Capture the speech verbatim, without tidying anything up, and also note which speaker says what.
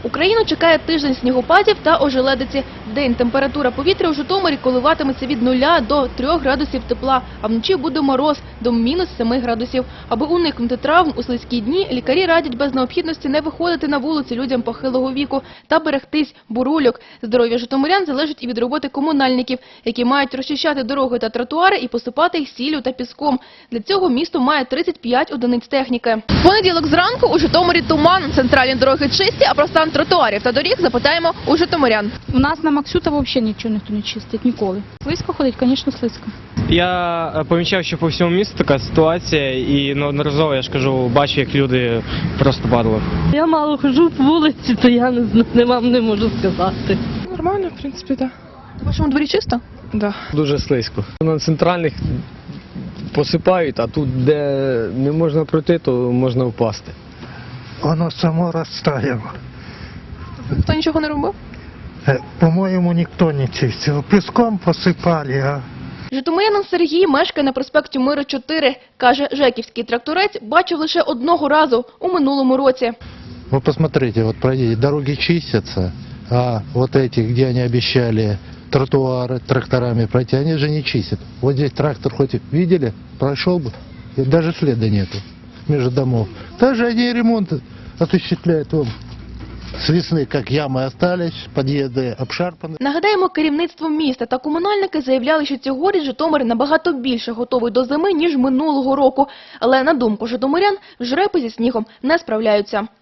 Speaker 1: Україну чекає тиждень снігопадів та ожеледиці. Вдень температура повітря у Житомирі коливатиметься від нуля до трьох градусів тепла, а вночі буде мороз до мінус семи градусів. Аби уникнути травм у слизькі дні, лікарі радять без необхідності не виходити на вулиці людям похилого віку та берегтись бурульок. Здоров'я житомирян залежить і від роботи комунальників, які мають розчищати дороги та тротуари і посипати їх сіллю та піском. Для цього місто має тридцять п'ять одиниць техніки. В понеділок зранку у Житомирі туман, центральні дороги чисті, а про стан тротуарів та доріг запитаємо у житомирян.
Speaker 2: У нас на Максюта взагалі нічого ніхто не чистить, ніколи. Слизько ходить, звісно, слизько.
Speaker 3: Я помічав, що по всьому місту така ситуація і неодноразово, я ж кажу, бачу, як люди просто падали.
Speaker 4: Я мало хожу по вулиці, то я не, знаю, не вам не можу сказати.
Speaker 5: Нормально, в принципі, так.
Speaker 1: У вашому дворі чисто?
Speaker 5: Да.
Speaker 6: Дуже слизько. На центральних посипають, а тут, де не можна пройти, то можна впасти.
Speaker 7: Оно само розтаяло.
Speaker 1: Хто нічого не робив?
Speaker 7: Э, По-моєму, ніхто не чистив. Піском посипали, а
Speaker 1: Житомирянин Сергій мешкає на проспекті Миру чотири. Каже, жеківський тракторець бачив лише одного разу у минулому році.
Speaker 8: Вы посмотрите, вот пройдите, дороги чистятся, а вот эти, где они обещали тротуары тракторами пройти, они же не чистят. Вот здесь трактор хоть видели, прошел бы, и даже следа нету между домов. Также они ремонт осуществляют вон. С весны, как ямы остались, подъезды обшарпаны.
Speaker 1: Нагадаємо, керівництво міста та комунальники заявляли, що цьогоріч Житомир набагато більше готовий до зими, ніж минулого року. Але, на думку житомирян, жрепи зі снігом не справляються.